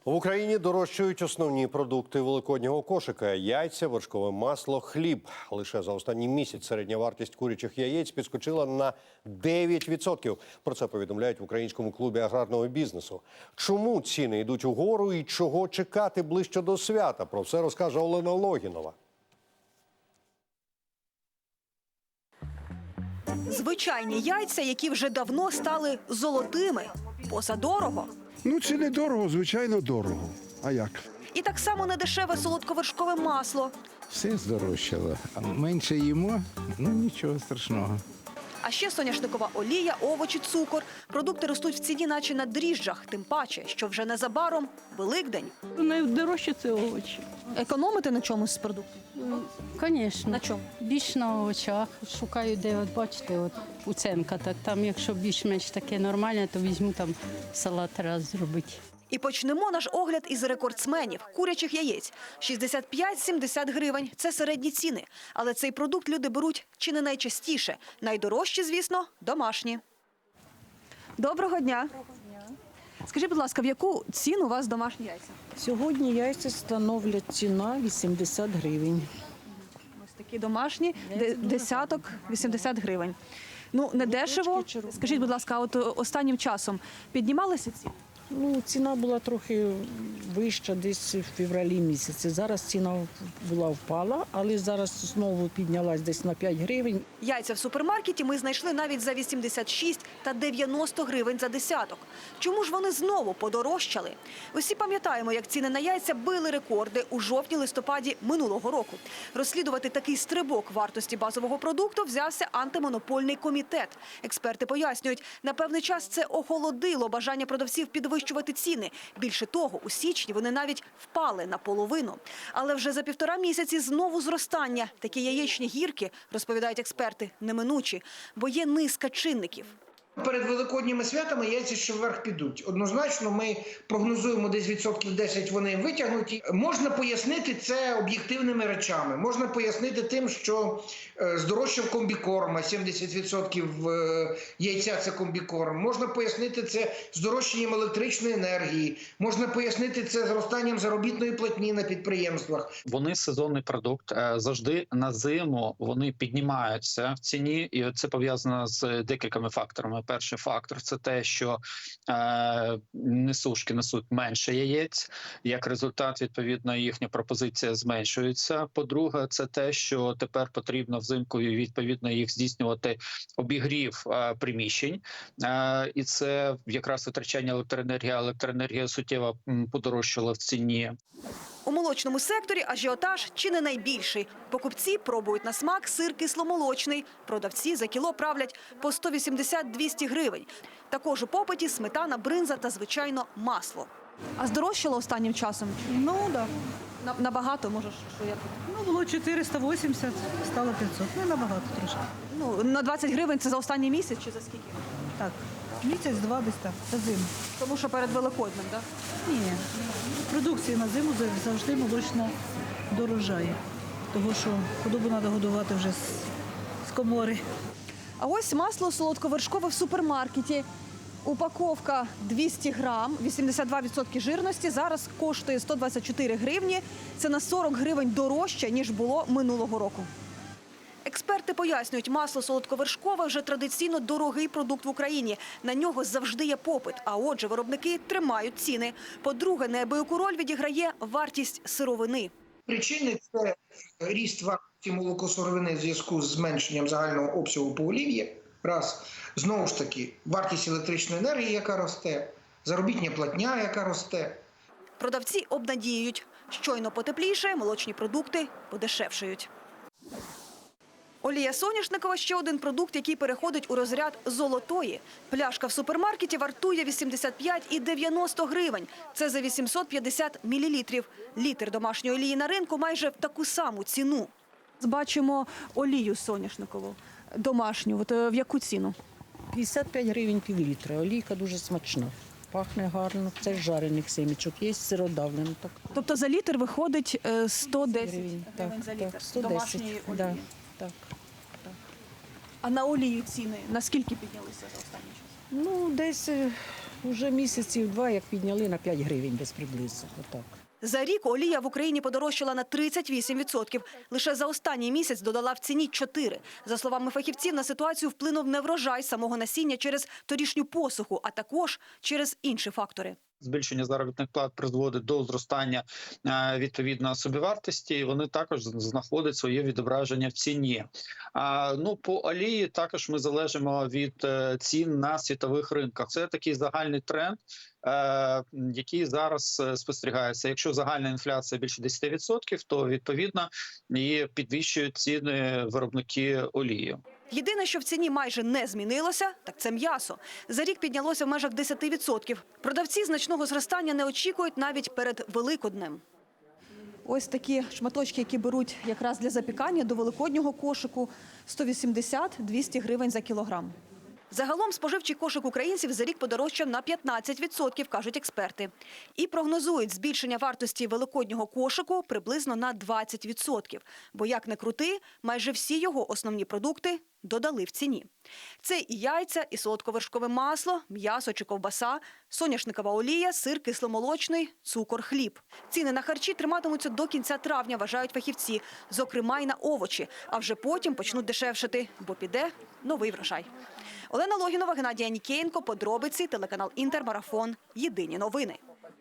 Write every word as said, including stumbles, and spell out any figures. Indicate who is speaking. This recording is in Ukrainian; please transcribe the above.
Speaker 1: В Україні дорожчають основні продукти великоднього кошика – яйця, вершкове масло, хліб. Лише за останній місяць середня вартість курячих яєць підскочила на дев'ять відсотків. Про це повідомляють в Українському клубі аграрного бізнесу. Чому ціни йдуть угору і чого чекати ближче до свята? Про все розкаже Олена Логінова.
Speaker 2: Звичайні яйця, які вже давно стали золотими. Позадорого.
Speaker 3: Ну, це не дорого, звичайно, дорого. А як?
Speaker 2: І так само недешеве солодковершкове масло.
Speaker 4: Все здорожчало. А менше їмо, ну нічого страшного.
Speaker 2: А ще соняшникова олія, овочі, цукор. Продукти ростуть в ціні наче на дріжджах. Тим паче, що вже незабаром Великдень.
Speaker 5: Найдорожче – це овочі.
Speaker 2: Економити на чомусь з продуктів?
Speaker 5: Звісно.
Speaker 2: На чому?
Speaker 5: Більш на овочах. Шукаю, де, от бачите, от уценка. Так, там, якщо більш-менш таке нормальне, то візьму там салат раз зробити.
Speaker 2: І почнемо наш огляд із рекордсменів – курячих яєць. шістдесят п'ять - сімдесят гривень – це середні ціни. Але цей продукт люди беруть чи не найчастіше. Найдорожчі, звісно, домашні. Доброго дня. Доброго дня. Скажіть, будь ласка, в яку ціну у вас домашні яйця?
Speaker 6: Сьогодні яйця становлять ціна вісімдесят гривень.
Speaker 2: Ось такі домашні, десяток – вісімдесят гривень. Ну, не дешево. Скажіть, будь ласка, а от останнім часом піднімалися ціни?
Speaker 6: Ну, ціна була трохи вища десь в февралі місяці. Зараз ціна була впала, але зараз знову піднялась десь на п'ять гривень.
Speaker 2: Яйця в супермаркеті ми знайшли навіть за вісімдесят шість та дев'яносто гривень за десяток. Чому ж вони знову подорожчали? Усі пам'ятаємо, як ціни на яйця били рекорди у жовтні-листопаді минулого року. Розслідувати такий стрибок вартості базового продукту взявся антимонопольний комітет. Експерти пояснюють, на певний час це охолодило бажання продавців підвищити ціни. Більше того, у січні вони навіть впали наполовину. Але вже за півтора місяці знову зростання. Такі яєчні гірки, розповідають експерти, неминучі, бо є низка чинників.
Speaker 7: Перед великодніми святами яйця ще вверх підуть. Однозначно ми прогнозуємо десь відсотків десять вони витягнуті. Можна пояснити це об'єктивними речами. Можна пояснити тим, що здорожчав комбікорм, а сімдесят відсотків яйця – це комбікорм. Можна пояснити це здорожчанням електричної енергії. Можна пояснити це зростанням заробітної платні на підприємствах.
Speaker 8: Вони сезонний продукт. Завжди на зиму вони піднімаються в ціні, і це пов'язано з декількома факторами. Перший фактор – це те, що е, несушки несуть менше яєць. Як результат, відповідно, їхня пропозиція зменшується. По-друге, це те, що тепер потрібно взимку, відповідно, їх здійснювати обігрів е, приміщень. Е, і це якраз витрачання електроенергії. Електроенергія суттєво подорожчала в ціні.
Speaker 2: У молочному секторі ажіотаж чи не найбільший. Покупці пробують на смак сир кисломолочний. Продавці за кіло правлять по сто вісімдесят - двісті гривень. Також у попиті сметана, бринза та, звичайно, масло. А здорожчало останнім часом?
Speaker 9: Ну, так.
Speaker 2: Да. Набагато, може, що як?
Speaker 9: Ну, було чотириста вісімдесят, стало п'ятсот. Ну, набагато трошки.
Speaker 2: Ну, на двадцять гривень це за останній місяць чи за скільки?
Speaker 9: Так, місяць-два десь так, за зиму.
Speaker 2: Тому що перед Великоднем, так? Да?
Speaker 9: Ні, продукція на зиму завжди молочна дорожає. Тому що худобу треба годувати вже з, з комори.
Speaker 2: А ось масло солодковершкове в супермаркеті. Упаковка двісті грам, вісімдесят два відсотки жирності, зараз коштує сто двадцять чотири гривні. Це на сорок гривень дорожче, ніж було минулого року. Експерти пояснюють, масло солодковершкове вже традиційно дорогий продукт в Україні. На нього завжди є попит, а отже виробники тримають ціни. По-друге, неабияку роль відіграє вартість сировини.
Speaker 7: Причини – це ріст вартості молокосировини в зв'язку з зменшенням загального обсягу поголів'я. Раз. Знову ж таки, вартість електричної енергії, яка росте, заробітня платня, яка росте.
Speaker 2: Продавці обнадіюють, щойно потепліше, молочні продукти подешевшають. Олія соняшникова – ще один продукт, який переходить у розряд золотої. Пляшка в супермаркеті вартує вісімдесят п'ять і дев'яносто гривень. Це за вісімсот п'ятдесят мілілітрів. Літр домашньої олії на ринку майже в таку саму ціну. Бачимо олію соняшникову домашню. От в яку ціну?
Speaker 6: п'ятдесят п'ять гривень пів літра. Олійка дуже смачна. Пахне гарно. Це з жарених семічок. Є сиродавлено. Так.
Speaker 2: Тобто за літр виходить сто десять
Speaker 6: гривень,
Speaker 2: гривень за літр
Speaker 6: так, сто десять,
Speaker 2: домашньої олії.
Speaker 6: Да, так, так.
Speaker 2: А на олію ціни наскільки піднялися за останній час?
Speaker 6: Ну, десь Уже місяців два, як підняли на п'ять гривень десь приблизно. Отак.
Speaker 2: За рік олія в Україні подорожчала на тридцять вісім відсотків. Лише за останній місяць додала в ціні чотири. За словами фахівців, на ситуацію вплинув не врожай самого насіння через торішню посуху, а також через інші фактори.
Speaker 8: Збільшення заробітних плат призводить до зростання е, відповідно собівартості, і вони також знаходять своє відображення в ціні. А ну по олії також ми залежимо від е, цін на світових ринках. Це такий загальний тренд, е, який зараз е, спостерігається. Якщо загальна інфляція більше десять відсотків, то відповідно і підвищують ціни виробники олії.
Speaker 2: Єдине, що в ціні майже не змінилося, так це м'ясо. За рік піднялося в межах десять відсотків. Продавці значного зростання не очікують навіть перед Великоднем. Ось такі шматочки, які беруть якраз для запікання до великоднього кошику – сто вісімдесят - двісті гривень за кілограм. Загалом споживчий кошик українців за рік подорожчав на п'ятнадцять відсотків, кажуть експерти. І прогнозують збільшення вартості великоднього кошику приблизно на двадцять відсотків. Бо, як не крути, майже всі його основні продукти додали в ціні. Це і яйця, і солодковершкове масло, м'ясо чи ковбаса, соняшникова олія, сир кисломолочний, цукор, хліб. Ціни на харчі триматимуться до кінця травня, вважають фахівці. Зокрема, й на овочі. А вже потім почнуть дешевшати, бо піде новий врожай. Олена Логінова, Геннадій Анікієнко, подробиці, телеканал «Інтермарафон». Єдині новини.